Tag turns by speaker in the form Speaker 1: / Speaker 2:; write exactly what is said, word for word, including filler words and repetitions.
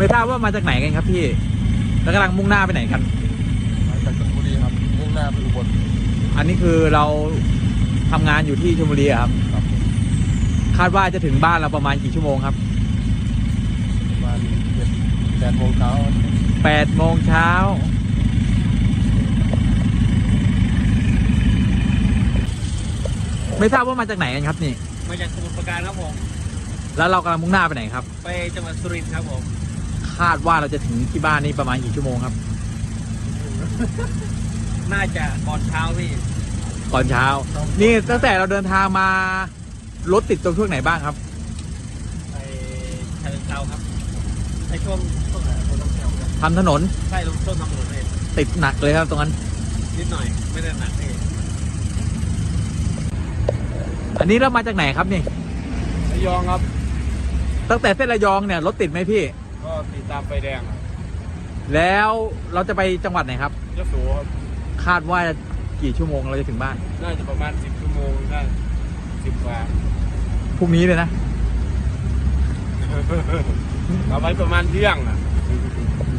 Speaker 1: ไม่ทราบว่ามาจากไหนกันครับพี่แล้วกำลังมุ่งหน้าไปไหนกัน
Speaker 2: มาจากชลบุรีครับมุ่งหน้าไปอุบล
Speaker 1: อันนี้คือเราทำงานอยู่ที่ชลบุรีครับคาดว่าจะถึงบ้านเราประมาณกี่ชั่วโมงครับ
Speaker 2: ประมาณเจ็ดแปดโมงเช้า
Speaker 1: แปดโมงเช้าไม่ทราบว่ามาจากไหนกันครับนี่
Speaker 3: มาจากสมุทรปราการครับผม
Speaker 1: แล้วเรากำลังมุ่งหน้าไปไหนครับ
Speaker 3: ไปจังหวัดสุรินทร์ครับผม
Speaker 1: คาดว่าเราจะถึงที่บ้านนี่ประมาณกี่ชั่วโมงครับ
Speaker 3: น่าจะก่อนเช้าพี่
Speaker 1: ก่อนเช้านี่ตั้งแต่เราเดินทางมารถติดตรงช่วงไหนบ้างครับ
Speaker 3: ไปเชิงเทราครับในช่วงช่วงไหนช่วงต้องเที่ยว
Speaker 1: ทำถนน
Speaker 3: ใช่ลงช่วงทำถนนเลย
Speaker 1: ติดหนักเลยครับตรงนั้น
Speaker 3: นิดหน่อยไม่ได้หนักเลย
Speaker 1: อันนี้เรามาจากไหนครับนี่
Speaker 2: ระยองครับ
Speaker 1: ตั้งแต่เส้นระยองเนี่ยรถติดไหมพี่
Speaker 2: ก็ติดตามไฟแดง
Speaker 1: แล้วเราจะไปจังหวัดไหนครับ
Speaker 2: ยโสครับ
Speaker 1: คาดว่ากี่ชั่วโมงเราจะถึงบ้าน
Speaker 2: น่าจะประมาณสิบชั่วโมงได้สิบกว่า
Speaker 1: พรุ่งนี้เลยนะ
Speaker 2: เอาไว้ประมาณเที่ยงอ่ะ